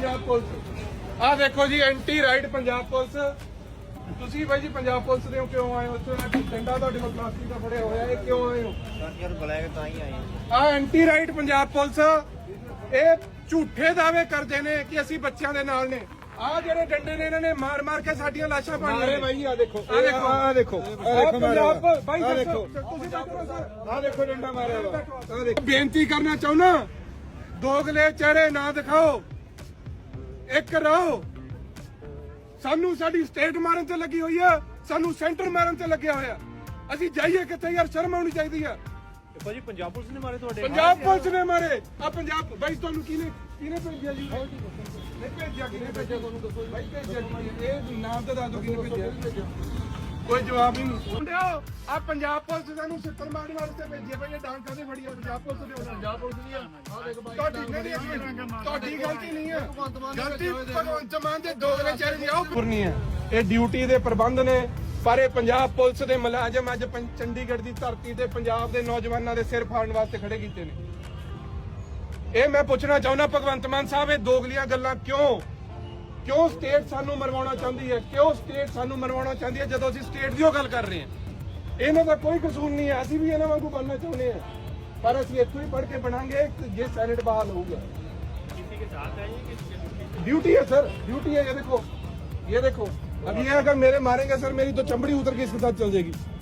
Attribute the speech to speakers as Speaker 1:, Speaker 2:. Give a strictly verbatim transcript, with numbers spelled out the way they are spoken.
Speaker 1: Punjab police आ देखो जी एंटी राइट पंजाब पुलिस ਤੁਸੀਂ ਬਾਈ ਜੀ ਪੰਜਾਬ ਪੁਲਿਸ ਦੇ ਕਿਉਂ ਆਏ ਹੋ ਉੱਥੇ ਡੰਡਾ ਤੁਹਾਡੇ ਕੋਲ ਪਲਾਸਟਿਕ ਦਾ ਫੜਿਆ ਹੋਇਆ ਇਹ ਕਿਉਂ ਆਏ ਹੋ
Speaker 2: ਯਾਰ ਬੁਲਾਇਆ ਤਾਂ ਹੀ ਆਏ
Speaker 1: ਆ ਐਂਟੀ ਰਾਈਟ ਪੰਜਾਬ ਪੁਲਿਸ ਇਹ ਝੂਠੇ ਦਾਅਵੇ ਕਰਦੇ ਨੇ ਕਿ ਅਸੀਂ ਬੱਚਿਆਂ ਦੇ ਨਾਲ ਨੇ ਆ ਜਿਹੜੇ ਡੰਡੇ ਨੇ ਇਹਨਾਂ ਨੇ ਮਾਰ ਮਾਰ ਕੇ ਸਾਡੀਆਂ ਲਾਸ਼ਾਂ ਪਾਣੀਆਂ ਨੇ
Speaker 3: ਬਾਈ ਆ ਦੇਖੋ
Speaker 1: ਆ ਦੇਖੋ
Speaker 3: ਆ ਦੇਖੋ ਆ ਦੇਖੋ
Speaker 1: ਪੰਜਾਬ ਬਾਈ
Speaker 3: ਆ ਦੇਖੋ
Speaker 1: ਤੁਸੀਂ ਦੇਖੋ ਸਰ
Speaker 3: ਆ ਦੇਖੋ ਡੰਡਾ ਮਾਰਿਆ ਵਾ ਆ ਦੇਖੋ
Speaker 1: ਬੇਨਤੀ ਕਰਨਾ ਚਾਹੁੰਦਾ ਦੋਗਲੇ ਚਿਹਰੇ ਨਾ ਦਿਖਾਓ ਇੱਕ ਰਹੋ ਸਾਨੂੰ ਸਾਡੀ ਸਟੇਟ ਮਾਰਨ ਤੇ ਲੱਗੀ ਹੋਈ ਆ ਸਾਨੂੰ ਸੈਂਟਰ ਮਾਰਨ ਤੇ ਲੱਗਿਆ ਹੋਇਆ ਅਸੀਂ ਜਾਈਏ ਕਿੱਥੇ ਯਾਰ ਸ਼ਰਮ ਆਉਣੀ ਚਾਹੀਦੀ ਆ
Speaker 3: ਦੇਖੋ ਜੀ ਪੰਜਾਬ ਪੁਲਿਸ ਨੇ ਮਾਰੇ ਤੁਹਾਡੇ
Speaker 1: ਪੰਜਾਬ ਪੁਲਿਸ ਨੇ ਮਾਰੇ ਆ ਪੰਜਾਬ ਬਾਈ ਤੁਹਾਨੂੰ ਕਿਹਨੇ ਕਿਹਨੇ ਭੇਜਿਆ ਜੀ ਨਹੀਂ ਭੇਜਿਆ ਕਿਹਨੇ ਭੇਜਿਆ ਤੁਹਾਨੂੰ ਦੱਸੋ ਬਾਈ ਭੇਜਿਆ ਕਿਹਨੇ? ਇਹ ਨਾਮ ਤਾਂ ਦੱਸ ਦਿਓ ਕਿਹਨੇ ਭੇਜਿਆ ਕੋਈ ਜਵਾਬ ਹੀ ਨਹੀਂ ਮੁੰਡਿਓ ਆ ਪੰਜਾਬ ਪੁਲਿਸ ਸਾਨੂੰ ਸਿੱਤਰ ਮਾਰਨ ਵਾਸਤੇ ਭੇਜਿਆ ਭਾਈ ਇਹ ਡਾਂਗ ਕਾਦੇ ਫੜੀ ਆ ਪੰਜਾਬ ਪੁਲਿਸ ਦੇ ਪੰਜਾਬ ਪੁਲਿਸ ਦੀ ਆ ਆ ਦੇਖ ਬਾਈ ਤੁਹਾਡੀ ਨਹੀਂ ਤੁਹਾਡੀ ਗਲਤੀ ਨਹੀਂ ਹੈ ਗਲਤੀ ਭਗਵੰਤ ਮਾਨ ਦੇ ਦੋਗਲੇ ਚਿਹਰੇ ਦੀ ਆਉ ਕਰਨੀ ਹੈ ਇਹ ਡਿਊਟੀ ਦੇ ਪ੍ਰਬੰਧ ਨੇ ਪਰ ਇਹ ਪੰਜਾਬ ਪੁਲਿਸ ਦੇ ਮੁਲਾਜ਼ਮ ਅੱਜ ਚੰਡੀਗੜ੍ਹ ਦੀ ਧਰਤੀ ਤੇ ਪੰਜਾਬ ਦੇ ਨੌਜਵਾਨਾਂ ਦੇ ਸਿਰ ਫਾੜਨ ਵਾਸਤੇ ਖੜੇ ਕੀਤੇ ਨੇ ਇਹ ਮੈਂ ਪੁੱਛਣਾ ਚਾਹੁੰਦਾ ਭਗਵੰਤ ਮਾਨ ਸਾਹਿਬ ਇਹ ਦੋਗਲੀਆਂ ਗੱਲਾਂ ਕਿਉਂ ਕਿਉਂ ਸਟੇਟ ਸਾਨੂੰ ਮਰਵਾਉਣਾ ਚਾਹੁੰਦੀ ਹੈ ਕਿਉਂ ਸਟੇਟ ਸਾਨੂੰ ਮਰਵਾਉਣਾ ਚਾਹੁੰਦੀ ਹੈ ਜਦੋਂ ਅਸੀਂ ਸਟੇਟ ਦੀ ਗੱਲ ਕਰ ਰਹੇ ਹਾਂ ਇਹਨਾਂ ਦਾ ਕੋਈ ਕਸੂਰ ਨਹੀਂ ਹੈ ਅਸੀਂ ਵੀ ਇਹਨਾਂ ਵਾਂਗੂ ਬਣਨਾ ਚਾਹੁੰਦੇ ਹਾਂ ਪਰ ਅਸੀਂ ਇੱਥੋਂ ਹੀ ਪੜ੍ਹ ਕੇ ਬਣਾਂਗੇ ਜੇ ਸੈਨੇਟ ਬਹਾਲ ਹੋਊਗਾ ड्यूटी है सर ड्यूटी है ये देखो ये देखो अब ये अगर मेरे मारेंगे सर मेरी तो चमड़ी उतर के इसके साथ चल जाएगी